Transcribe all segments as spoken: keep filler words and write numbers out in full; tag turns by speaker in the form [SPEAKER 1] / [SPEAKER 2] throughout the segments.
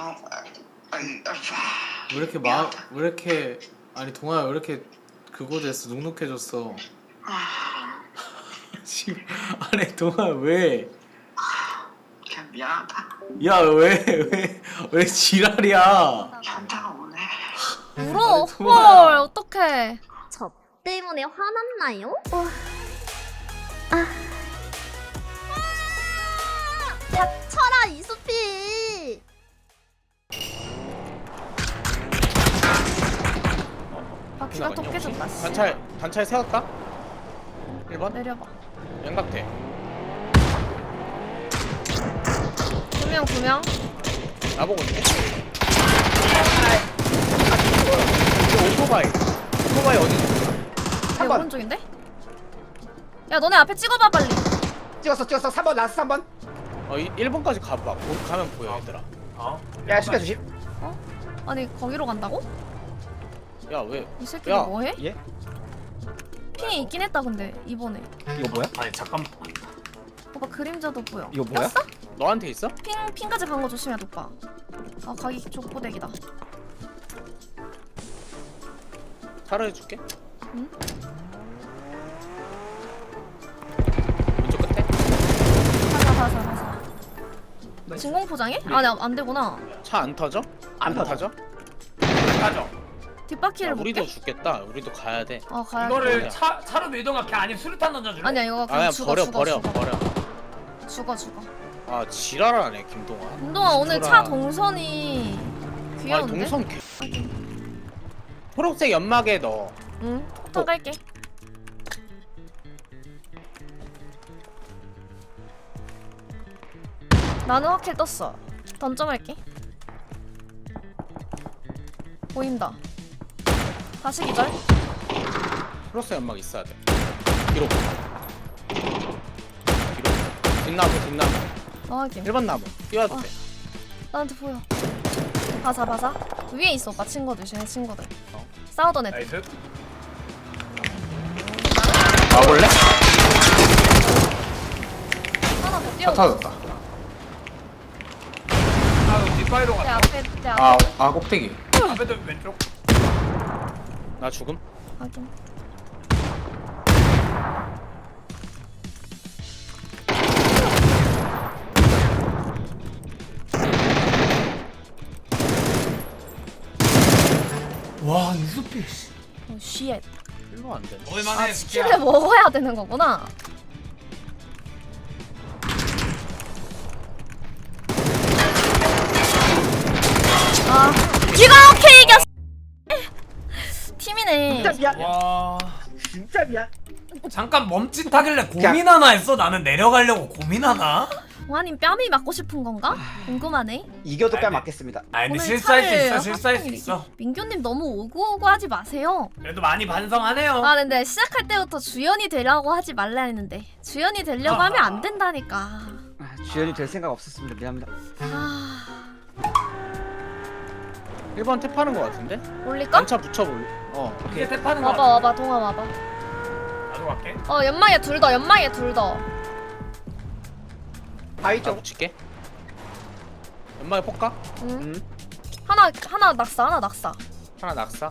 [SPEAKER 1] 왜 이렇게 마, 왜 이렇게 아니 동아야 왜 이렇게 그거 됐어 눅눅해졌어. 지금 아니 동아 왜?
[SPEAKER 2] 그냥 미안하다.
[SPEAKER 1] 야 왜 왜 왜 지랄이야?
[SPEAKER 2] 현타가 오네.
[SPEAKER 3] 울어.
[SPEAKER 1] 아니, 동아야.
[SPEAKER 3] 헐 어떡해.
[SPEAKER 4] 저 때문에 화났나요? 어. 아. 닥쳐라 이수피.
[SPEAKER 3] 바퀴가 또 깨졌다. 씨.
[SPEAKER 5] 단차에 단차에 세웠다. 일 번
[SPEAKER 3] 내려봐.
[SPEAKER 5] 양각대.
[SPEAKER 3] 구명 구명.
[SPEAKER 5] 나보고 있네. 이거 오토바이. 오토바이 어디 있어?
[SPEAKER 3] 내
[SPEAKER 6] 삼 번
[SPEAKER 3] 오른쪽인데? 야 너네 앞에 찍어봐 빨리.
[SPEAKER 6] 찍었어 찍었어 삼 번 라스트 삼 번.
[SPEAKER 5] 어, 이 일 번까지 가봐. 보, 가면 보여 얘들아.
[SPEAKER 6] 야 시켜 주심.
[SPEAKER 3] 아니 거기로 간다고?
[SPEAKER 5] 야 왜?
[SPEAKER 3] 이 새끼
[SPEAKER 5] 야.
[SPEAKER 3] 뭐해?
[SPEAKER 6] 예?
[SPEAKER 3] 핑이 있긴 했다 근데 이번에.
[SPEAKER 6] 이거 뭐야?
[SPEAKER 7] 아니 잠깐
[SPEAKER 3] 오빠 그림자도 보여.
[SPEAKER 6] 이거 뭐야?
[SPEAKER 3] 꼈어?
[SPEAKER 5] 너한테 있어?
[SPEAKER 3] 핑 핑까지 간 거 조심해 오빠. 아 가기 족보대기다.
[SPEAKER 5] 차로 해줄게.
[SPEAKER 3] 응?
[SPEAKER 5] 왼쪽 끝에.
[SPEAKER 3] 가자 가자 가자. 진공 포장해? 아니 안 되구나.
[SPEAKER 5] 차 안 터져?
[SPEAKER 6] 안 터져.
[SPEAKER 5] 타져?
[SPEAKER 7] 가죠.
[SPEAKER 5] 야,
[SPEAKER 3] 뒷바퀴를
[SPEAKER 5] 우리도
[SPEAKER 3] 볼게.
[SPEAKER 5] 죽겠다. 우리도 가야 돼.
[SPEAKER 3] 어 가야
[SPEAKER 7] 이거를
[SPEAKER 5] 그래.
[SPEAKER 7] 차 차로 이동할게 아니면 수류탄 던져줄래?
[SPEAKER 3] 아니야 이거 그냥
[SPEAKER 5] 아야
[SPEAKER 3] 죽어
[SPEAKER 5] 버려
[SPEAKER 3] 죽어
[SPEAKER 5] 버려
[SPEAKER 3] 죽어
[SPEAKER 5] 버려.
[SPEAKER 3] 죽어 죽어.
[SPEAKER 5] 아 지랄하네 김동아.
[SPEAKER 3] 김동아 오늘
[SPEAKER 5] 진솔아.
[SPEAKER 3] 차 동선이
[SPEAKER 5] 아니
[SPEAKER 3] 귀여운데?
[SPEAKER 5] 동선 개. 초록색 연막에 넣어.
[SPEAKER 3] 응 폭탄 갈게. 나는 확킬 떴어. 던점할게. 보인다. 다시 기절.
[SPEAKER 5] 초록색 연막 있어야 돼. 뒤로. 뒤로. 뒷나무 뒷나무.
[SPEAKER 3] 어 확인.
[SPEAKER 5] 일 번 나무. 뛰어도
[SPEAKER 3] 아.
[SPEAKER 5] 돼.
[SPEAKER 3] 나한테 보여. 바사 바사. 위에 있어 오빠 친구들 쟤네 친구들.
[SPEAKER 5] 어.
[SPEAKER 3] 싸우던 애들.
[SPEAKER 7] 나이스.
[SPEAKER 1] 와볼래?
[SPEAKER 3] 하나 더
[SPEAKER 1] 차
[SPEAKER 3] 뛰어.
[SPEAKER 1] 터졌다.
[SPEAKER 7] 아 그럼 뒷바위로
[SPEAKER 3] 내
[SPEAKER 7] 가.
[SPEAKER 3] 앞에 내 앞에.
[SPEAKER 1] 아, 아 꼭대기.
[SPEAKER 7] 앞에도 왼쪽.
[SPEAKER 5] 나 죽음.
[SPEAKER 3] 확인.
[SPEAKER 7] 와 이수피.
[SPEAKER 3] 오 쉣.
[SPEAKER 5] 일로 안 돼.
[SPEAKER 7] 얼마나
[SPEAKER 3] 아 치킨을 먹어야 되는 거구나. 아 기가 오케이 이겼어. 팀이네.
[SPEAKER 6] 진짜 미안.
[SPEAKER 7] 와.
[SPEAKER 6] 진짜 미안.
[SPEAKER 7] 잠깐 멈칫하길래 고민하나 했어. 나는 내려가려고 고민하나?
[SPEAKER 3] 와님 뺨이 맞고 싶은 건가? 궁금하네.
[SPEAKER 6] 이겨도 뺨
[SPEAKER 7] 아니,
[SPEAKER 6] 맞겠습니다.
[SPEAKER 7] 아니 근데
[SPEAKER 3] 오늘
[SPEAKER 7] 실수할 수
[SPEAKER 3] 차를
[SPEAKER 7] 있어. 실수할 수
[SPEAKER 3] 확실히-
[SPEAKER 7] 있어.
[SPEAKER 3] 민규님 너무 오구오구 하지 마세요.
[SPEAKER 7] 그래도 많이 반성하네요.
[SPEAKER 3] 아 근데 시작할 때부터 주연이 되려고 하지 말라 했는데 주연이 되려고 하면 안 된다니까.
[SPEAKER 6] 아, 주연이 될 생각 없었습니다. 미안합니다.
[SPEAKER 3] 아
[SPEAKER 5] 일 번 탭하는 거 같은데?
[SPEAKER 3] 올릴까?
[SPEAKER 5] 단차 붙여볼. 어.
[SPEAKER 7] 이제 탭하는 거.
[SPEAKER 3] 와봐 와봐 동아 와봐.
[SPEAKER 7] 나도 갈게.
[SPEAKER 3] 어 연막에 둘 더 연막에 둘 더.
[SPEAKER 6] 바위
[SPEAKER 5] 나
[SPEAKER 6] 쪽.
[SPEAKER 5] 붙일게. 연막에 폭가?
[SPEAKER 3] 응.
[SPEAKER 6] 음.
[SPEAKER 3] 하나 하나 낙사 하나 낙사.
[SPEAKER 5] 하나 낙사.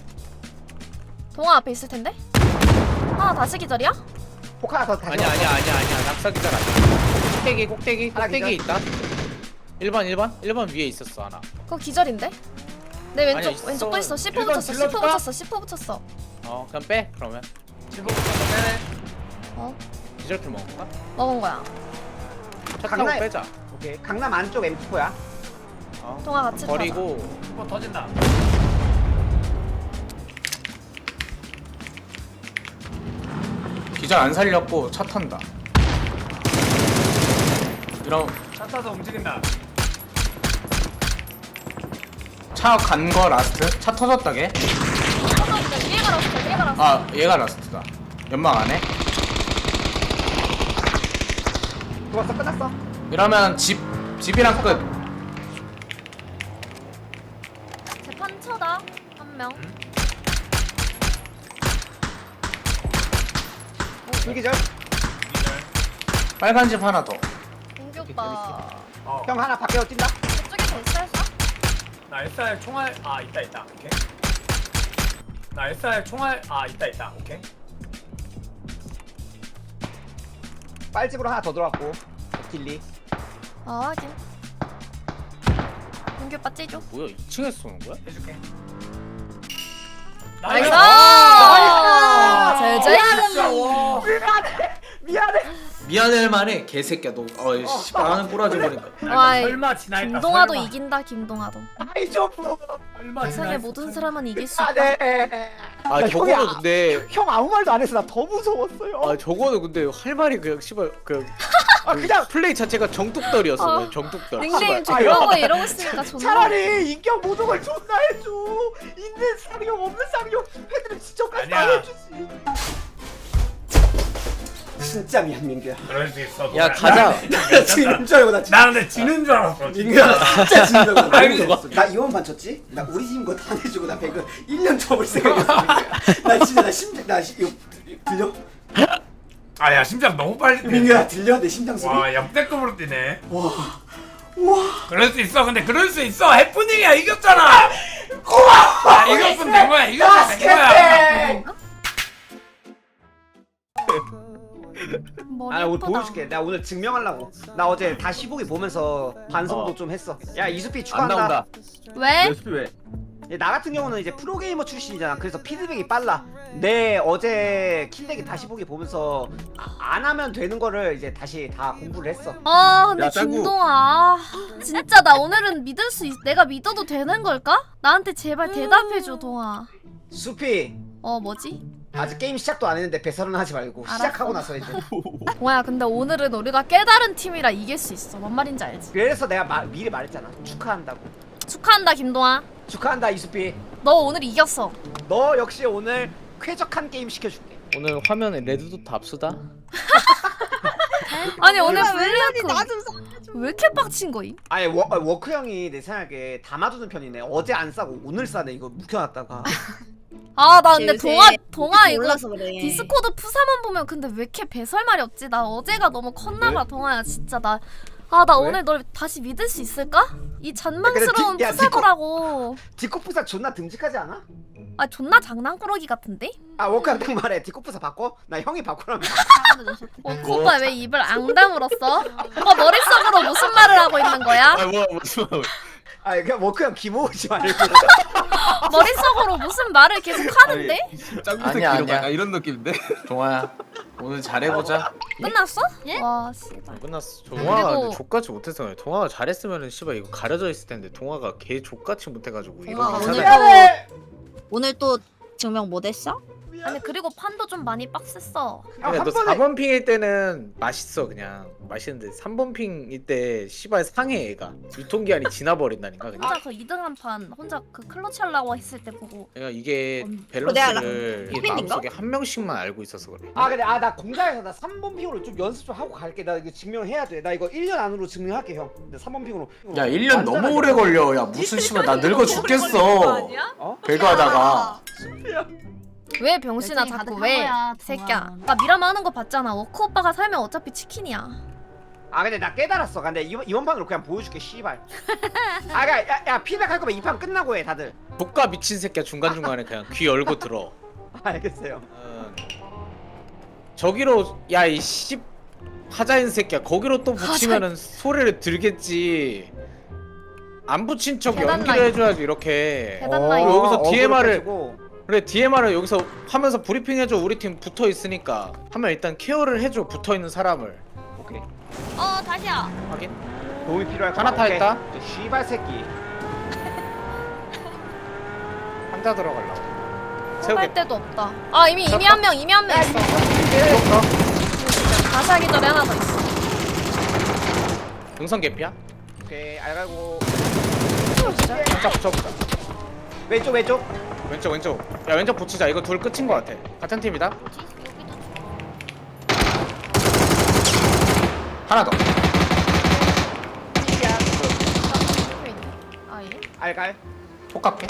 [SPEAKER 3] 동아 앞에 있을 텐데. 하나 다시 기절이야?
[SPEAKER 6] 폭 하나 더 다시.
[SPEAKER 5] 아니야 아니야 아니야 아니야. 낙사 기절 아니야. 꼭대기 꼭대기
[SPEAKER 6] 하나
[SPEAKER 5] 꼭대기
[SPEAKER 6] 기절.
[SPEAKER 5] 있다. 일 번 일 번 일 번 위에 있었어 하나.
[SPEAKER 3] 그거 기절인데? 내 왼쪽
[SPEAKER 5] 아니야, 있어.
[SPEAKER 3] 왼쪽도 있어. 십 호
[SPEAKER 7] 일번
[SPEAKER 3] 붙였어. 십 호
[SPEAKER 7] 질러줄까?
[SPEAKER 3] 붙였어. 십 호 붙였어.
[SPEAKER 5] 어 그냥 빼 그러면.
[SPEAKER 7] 일본 빼네.
[SPEAKER 3] 어
[SPEAKER 5] 디저트 먹을까?
[SPEAKER 3] 먹은 거야.
[SPEAKER 5] 차 타고
[SPEAKER 6] 강남-
[SPEAKER 5] 빼자.
[SPEAKER 6] 오케이. 강남 안쪽 엠 사야.
[SPEAKER 5] 어.
[SPEAKER 3] 동아 같이
[SPEAKER 5] 버리고
[SPEAKER 7] 일본 터진다.
[SPEAKER 1] 기절 안 살렸고 차 탄다. 이런
[SPEAKER 7] 차 타서 움직인다.
[SPEAKER 1] 차 간 거 라스트. 차 터졌다 걔.
[SPEAKER 3] 터졌는데 위에 갈았어. 위에 갈았어.
[SPEAKER 1] 아 얘가 라스트다. 연막 안에.
[SPEAKER 6] 죽었어 끝났어.
[SPEAKER 1] 이러면 집 집이랑 끝.
[SPEAKER 3] 재판 쳐다 한 명.
[SPEAKER 6] 불기절.
[SPEAKER 1] 빨간 집 하나 더.
[SPEAKER 3] 민규 오빠.
[SPEAKER 7] 어.
[SPEAKER 6] 형 하나 밖에서 뛴다.
[SPEAKER 3] 저쪽에 대시했어?
[SPEAKER 7] 나 에스알 총알 아 있다 있다 오케이. 나 에스알 총알 아 있다 있다 오케이.
[SPEAKER 6] 빨집으로 하나 더 들어왔고 딜리.
[SPEAKER 3] 어 확인. 공규 빠지죠.
[SPEAKER 1] 뭐야 이 층에서 쏘는 거야?
[SPEAKER 7] 해줄게.
[SPEAKER 3] 나이스!
[SPEAKER 7] 나이스!
[SPEAKER 3] 제제.
[SPEAKER 6] 미안해 미안해.
[SPEAKER 1] 미안할 만해 개새끼야 너. 어이 씨발 하는 꼬라지 보니까.
[SPEAKER 3] 와,
[SPEAKER 7] 설마 지나했다.
[SPEAKER 3] 김동아도
[SPEAKER 7] 설마.
[SPEAKER 3] 이긴다 김동아도.
[SPEAKER 6] 아이 좀.
[SPEAKER 7] 설마
[SPEAKER 3] 세상의
[SPEAKER 7] 지나했어.
[SPEAKER 3] 모든 사람은 이길 수 있다.
[SPEAKER 6] 미안해.
[SPEAKER 1] 아
[SPEAKER 6] 야,
[SPEAKER 1] 저거는
[SPEAKER 6] 형이 아-
[SPEAKER 1] 근데
[SPEAKER 6] 형 아무 말도 안 해서 나 더 무서웠어요.
[SPEAKER 1] 아 저거는 근데 할 말이 그냥 씨발 그
[SPEAKER 6] 아 그냥
[SPEAKER 1] 플레이 자체가 정뚝떨이었어.
[SPEAKER 3] 어.
[SPEAKER 1] 그냥 정뚝떨.
[SPEAKER 3] 닉네임
[SPEAKER 1] 씨발.
[SPEAKER 3] 이런 거 이러고 있으니까 존나.
[SPEAKER 6] 차라리 인격 모독을 존나 해줘. 있는 쌍욕 없는 쌍욕 애들은 지적까지 다
[SPEAKER 7] 아니야.
[SPEAKER 6] 해주지. 진짜 미안 민규야.
[SPEAKER 7] 그럴 수 있어.
[SPEAKER 1] 야,
[SPEAKER 7] 동아야.
[SPEAKER 1] 가자.
[SPEAKER 7] 나
[SPEAKER 6] 지는 줄 알고 나 진짜.
[SPEAKER 7] 나 근데 지는 줄 알았어.
[SPEAKER 6] 민규야 진짜 지는 줄 알고
[SPEAKER 7] 아이고.
[SPEAKER 6] 너무 좋았어. 나 이원 반 쳤지? 나 우리 팀 거 다 내주고 나 배그 일 년 접을 생각했어. 민규야. 나 진짜 나 심장 나 시, 이거 들려?
[SPEAKER 7] 아야 심장 너무 빨리 뛰네.
[SPEAKER 6] 민규야 들려? 내 심장 소리?
[SPEAKER 7] 와 역대급으로 뛰네.
[SPEAKER 6] 와. 와.
[SPEAKER 7] 그럴 수 있어. 근데 그럴 수 있어. 해프닝이야. 이겼잖아.
[SPEAKER 6] 고마워.
[SPEAKER 7] 야, 이겼으면 된 거야. 이겼으면 된 거야.
[SPEAKER 6] 바스켓백.
[SPEAKER 3] 머리
[SPEAKER 6] 아 오늘
[SPEAKER 3] 예쁘다.
[SPEAKER 6] 보여줄게. 내가 오늘 증명하려고. 나 어제 다시 보기 보면서 반성도
[SPEAKER 1] 어.
[SPEAKER 6] 좀 했어. 야 이수피
[SPEAKER 1] 안
[SPEAKER 6] 축하한다.
[SPEAKER 1] 나온다.
[SPEAKER 3] 왜?
[SPEAKER 1] 왜?
[SPEAKER 6] 야, 나 같은 경우는 이제 프로게이머 출신이잖아. 그래서 피드백이 빨라. 내 어제 킬렉이 다시 보기 보면서 아, 안 하면 되는 거를 이제 다시 다 공부를 했어.
[SPEAKER 3] 아 근데
[SPEAKER 1] 야, 짱구.
[SPEAKER 3] 김동아 진짜 나 오늘은 믿을 수 있... 내가 믿어도 되는 걸까? 나한테 제발 대답해줘 동아.
[SPEAKER 6] 수피
[SPEAKER 3] 어 뭐지?
[SPEAKER 6] 아직 게임 시작도 안 했는데 배설은 하지 말고
[SPEAKER 3] 알았어.
[SPEAKER 6] 시작하고 나서 해줘.
[SPEAKER 3] 동아야 근데 오늘은 우리가 깨달은 팀이라 이길 수 있어. 뭔 말인지 알지?
[SPEAKER 6] 그래서 내가 마, 미리 말했잖아. 축하한다고.
[SPEAKER 3] 축하한다 김동아.
[SPEAKER 6] 축하한다 이수피.
[SPEAKER 3] 너 오늘 이겼어.
[SPEAKER 6] 너 역시 오늘 쾌적한 게임 시켜줄게.
[SPEAKER 1] 오늘 화면에 레드도트 압수다.
[SPEAKER 3] 아니 오늘
[SPEAKER 4] 왜
[SPEAKER 3] 블랙
[SPEAKER 4] 나좀
[SPEAKER 3] 왜 이렇게 빡친 거임?
[SPEAKER 6] 아니 워, 아, 워크 형이 내 생각에 담아두는 편이네. 어제 안 싸고 오늘 싸네. 이거 묵혀놨다가.
[SPEAKER 3] 아 나 근데
[SPEAKER 4] 요새
[SPEAKER 3] 동아 동아 이거
[SPEAKER 4] 몰라서 그래.
[SPEAKER 3] 디스코드 푸사만 보면 근데 왜 이렇게 배설말이 없지? 나 어제가 너무 컸나봐 동아야 진짜 나. 아 나
[SPEAKER 6] 왜?
[SPEAKER 3] 오늘 널 다시 믿을 수 있을까? 이 잔망스러운
[SPEAKER 6] 야, 근데 디- 야,
[SPEAKER 3] 푸사더라고.
[SPEAKER 6] 디코프사 존나 듬직하지 않아?
[SPEAKER 3] 아 존나 장난꾸러기 같은데?
[SPEAKER 6] 아 워크 형 딱 말해. 디코프사 바꿔? 나 형이 바꾸라면.
[SPEAKER 3] 어, 오빠 왜 입을 앙 다물었어? 오빠 머릿속으로 무슨 말을 하고 있는 거야?
[SPEAKER 1] 뭐 무슨 말?
[SPEAKER 6] 아 그냥 워크 형 기모으지 말고.
[SPEAKER 3] 머릿속으로 무슨 말을 계속 하는데?
[SPEAKER 1] 아니야 아니야 이런 느낌인데. 동아야 오늘 잘해보자.
[SPEAKER 3] 끝났어? 와 씨발.
[SPEAKER 1] 끝났어. 동아가
[SPEAKER 3] 그리고-
[SPEAKER 1] 근데 족같이 못해서 그래. 동아가 잘했으면은 씨발 이거 가려져 있을 텐데 동아가 개 족같이 못해가지고 이런
[SPEAKER 4] 동아가
[SPEAKER 1] 거
[SPEAKER 4] 오늘
[SPEAKER 1] 찾아.
[SPEAKER 6] 미안해.
[SPEAKER 4] 오늘 또 증명 못 했어?
[SPEAKER 3] 아니 그리고 판도 좀 많이 빡셌어.
[SPEAKER 6] 아,
[SPEAKER 1] 근데
[SPEAKER 6] 한
[SPEAKER 1] 너
[SPEAKER 6] 번에-
[SPEAKER 1] 사 번 핑일 때는 맛있어 그냥 맛있는데 삼 번 핑일 때 씨발 상해 애가 유통기한이 지나버린다니까 그냥.
[SPEAKER 3] 혼자 그 이 등 한 판 혼자 그 클러치 하려고 했을 때 보고
[SPEAKER 1] 그러니까 이게
[SPEAKER 3] 음.
[SPEAKER 1] 밸런스를
[SPEAKER 4] 어,
[SPEAKER 1] 이게
[SPEAKER 4] 내가
[SPEAKER 1] 마음속에 한 명씩만 알고 있어서 그래.
[SPEAKER 6] 아 근데 아 나 공장에서 나 삼 번 핑으로 좀 연습 좀 하고 갈게. 나 이거 증명해야 돼. 나 이거 일 년 안으로 증명할게 형. 근데 삼 번 핑으로.
[SPEAKER 1] 야 일 년 너무 오래 걸려. 야 무슨 씨발 나 늙어 죽겠어.
[SPEAKER 6] 어?
[SPEAKER 1] 배그하다가.
[SPEAKER 3] 왜 병신아
[SPEAKER 4] 열정이
[SPEAKER 3] 자꾸
[SPEAKER 4] 가득한
[SPEAKER 3] 왜
[SPEAKER 4] 거야,
[SPEAKER 3] 새끼야.
[SPEAKER 4] 동아.
[SPEAKER 3] 나 미라마 하는 거 봤잖아. 워크 오빠가 살면 어차피 치킨이야.
[SPEAKER 6] 아 근데 나 깨달았어. 근데 이번 이번 판으로 그냥 보여줄게. 씨발. 아 야, 야, 야 피드백 할 거면 이 판 끝나고 해 다들.
[SPEAKER 1] 독가 미친 새끼야 중간 중간에 그냥 귀 열고 들어.
[SPEAKER 6] 알겠어요.
[SPEAKER 1] 음, 저기로 야 이 씨 하자인 새끼야 거기로 또 붙이면은 소리를 들겠지. 안 붙인 척
[SPEAKER 3] 계단
[SPEAKER 1] 연기를
[SPEAKER 3] 라인.
[SPEAKER 1] 해줘야지 이렇게.
[SPEAKER 3] 계단
[SPEAKER 6] 어,
[SPEAKER 3] 라인.
[SPEAKER 1] 여기서
[SPEAKER 6] 어그로
[SPEAKER 1] 디엠알을
[SPEAKER 6] 빼주고.
[SPEAKER 1] 그래 디엠알을 여기서 하면서 브리핑 해줘. 우리 팀 붙어 있으니까 하면 일단 케어를 해줘. 붙어 있는 사람을.
[SPEAKER 6] 오케이.
[SPEAKER 3] 어 다시야.
[SPEAKER 1] 확인.
[SPEAKER 6] 도움이 필요할
[SPEAKER 1] 하나 타
[SPEAKER 6] 오케이.
[SPEAKER 1] 있다.
[SPEAKER 6] 저 씨발 새끼.
[SPEAKER 1] 혼자 들어가려고.
[SPEAKER 3] 할
[SPEAKER 1] 세우겠다.
[SPEAKER 3] 데도 없다. 아 이미 이미 한 명 이미 한 명 있어. 다시 하기 전에 하나 더 있어.
[SPEAKER 1] 능선 개피야?
[SPEAKER 6] 오케이 알갈고.
[SPEAKER 1] 혼자 붙여보자.
[SPEAKER 6] 왼쪽 왼쪽.
[SPEAKER 1] 왼쪽 왼쪽. 야 왼쪽 붙이자. 이거 둘 끝인 것 같아. 같은 팀이다. 하나 더.
[SPEAKER 3] 아 예?
[SPEAKER 6] 알갈.
[SPEAKER 1] 똑같게.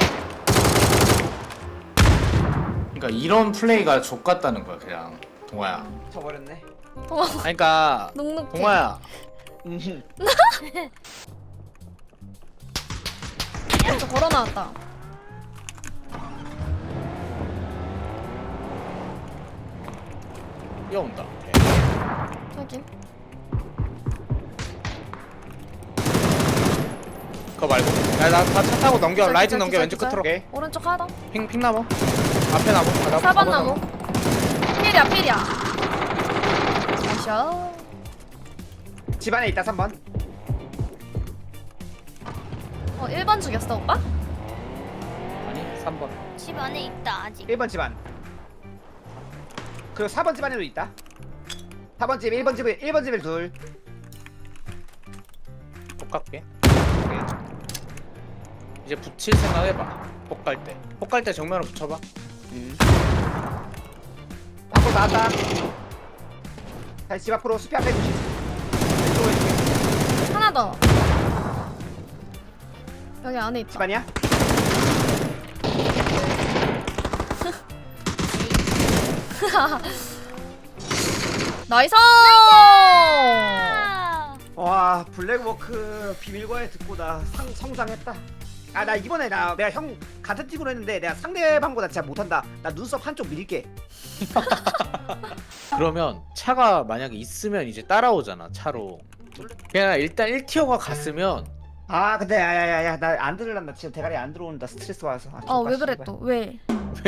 [SPEAKER 1] 그러니까 이런 플레이가 족같다는 거야 그냥 동아야.
[SPEAKER 6] 쳐버렸네.
[SPEAKER 3] 동아
[SPEAKER 1] 아니, 그러니까
[SPEAKER 3] 눅눅해.
[SPEAKER 1] 동아야.
[SPEAKER 6] 음.
[SPEAKER 3] 저 걸어 나왔다.
[SPEAKER 1] 뛰어온다. 오케이.
[SPEAKER 3] 확인.
[SPEAKER 1] 그거 말고. 야나차 타고 넘겨.
[SPEAKER 3] 기절,
[SPEAKER 1] 라이트
[SPEAKER 3] 기절,
[SPEAKER 1] 넘겨.
[SPEAKER 3] 기절,
[SPEAKER 1] 왼쪽
[SPEAKER 3] 기절.
[SPEAKER 1] 끝으로. 오케이.
[SPEAKER 3] 오른쪽 하나.
[SPEAKER 1] 핑 핑나무. 앞에 나무. 아, 나무,
[SPEAKER 3] 사 번
[SPEAKER 1] 사
[SPEAKER 3] 나무. 필이야 필이야. 마셔.
[SPEAKER 6] 집 안에 있다 삼 번.
[SPEAKER 3] 어 일 번 죽였어 오빠?
[SPEAKER 1] 아니 삼 번.
[SPEAKER 5] 집 안에 있다 아직.
[SPEAKER 6] 일 번 집 안. 그리고 사 번 집 안에도 있다. 사 번 집, 일 번 집에 일 번 집에 둘.
[SPEAKER 1] 폭 갈게. 이제 붙일 생각 해봐. 폭 갈 때. 폭 갈 때 정면으로 붙여봐.
[SPEAKER 6] 음. 밖으로 나왔다. 다시 집 앞으로 숲이 앞에 주시. 왼쪽으로 해줄게.
[SPEAKER 3] 하나 더. 여기 안에 있다.
[SPEAKER 6] 집 아니야?
[SPEAKER 3] 나이스!
[SPEAKER 5] 아,
[SPEAKER 6] 와 블랙워크 비밀과에 듣고 나 상, 성장했다. 아 나 이번에 나 내가 형 같은 팀으로 했는데 내가 상대방보다 진짜 못한다. 나 눈썹 한쪽 밀게.
[SPEAKER 1] 그러면 차가 만약에 있으면 이제 따라오잖아. 차로. 그냥 일단 일 티어가 갔으면
[SPEAKER 6] 아 근데 야야야야 나 안 들을란다. 지금 대가리 안 들어온다. 스트레스 와서. 아,
[SPEAKER 3] 어 왜
[SPEAKER 6] 족발,
[SPEAKER 3] 그래
[SPEAKER 6] 씨발.
[SPEAKER 3] 또 왜?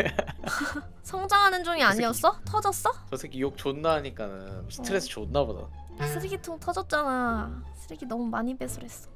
[SPEAKER 3] 성장하는 중이 아니었어? 터졌어?
[SPEAKER 1] 저 새끼 욕 존나 하니까는 스트레스 존나 받아.
[SPEAKER 3] 쓰레기통 터졌잖아. 쓰레기 너무 많이 배설했어.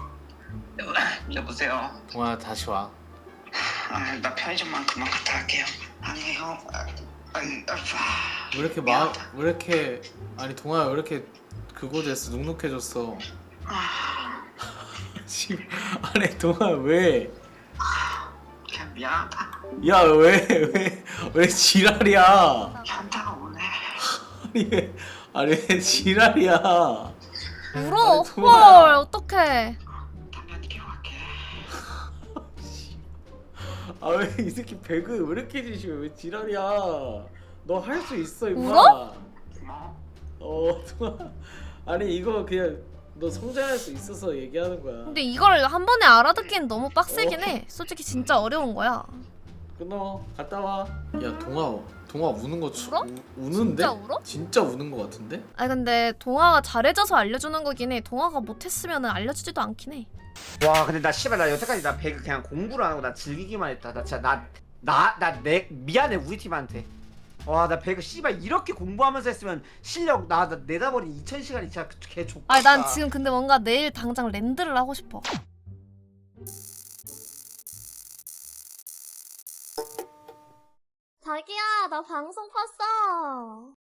[SPEAKER 2] 여보세요.
[SPEAKER 1] 동아 다시 와.
[SPEAKER 2] 아, 나 편의점만 그만 갔다 갈게요. 아니 형. 아, 아니, 아,
[SPEAKER 1] 왜 이렇게 마, 왜 이렇게 아니 동아야 왜 이렇게 그거 됐어 눅눅해졌어.
[SPEAKER 2] 아,
[SPEAKER 1] 지금 아니 동아 왜?
[SPEAKER 2] 그냥 미안하다.
[SPEAKER 1] 야 왜 왜 왜 지랄이야?
[SPEAKER 2] 현타가 오네.
[SPEAKER 1] 아니 왜 아니 왜 지랄이야?
[SPEAKER 3] 울어.
[SPEAKER 1] 아니, 동아야.
[SPEAKER 3] 헐 어떡해.
[SPEAKER 2] 당연히 기억할게.
[SPEAKER 1] 아 왜 이 새끼 배그 왜 이렇게 지시해? 왜 지랄이야? 너 할 수 있어 임마.
[SPEAKER 3] 울어?
[SPEAKER 2] 뭐?
[SPEAKER 1] 어 동아 아니 이거 그냥 너 성장할 수 있어서 얘기하는 거야.
[SPEAKER 3] 근데 이걸 한 번에 알아듣기엔 너무 빡세긴 해. 솔직히 진짜 어려운 거야.
[SPEAKER 1] 끊어 갔다 와. 야 동아 동아 우는 거 추,
[SPEAKER 3] 울어?
[SPEAKER 1] 우, 우는데?
[SPEAKER 3] 진짜 울어?
[SPEAKER 1] 진짜 우는 거 같은데?
[SPEAKER 3] 아니 근데 동아가 잘해줘서 알려주는 거긴 해. 동아가 못했으면 알려주지도 않긴 해.
[SPEAKER 6] 와 근데 나 씨발 나 여태까지 나 배그 그냥 공부를 안 하고 나 즐기기만 했다. 나 진짜 나 나 나 내 미안해 우리 팀한테. 와 나 배그 씨발 이렇게 공부하면서 했으면 실력 나, 나 내다버린 이천 시간이 진짜 개 족같다.
[SPEAKER 3] 아니 난 지금 근데 뭔가 내일 당장 랜드를 하고 싶어.
[SPEAKER 5] 자기야 나 방송 봤어.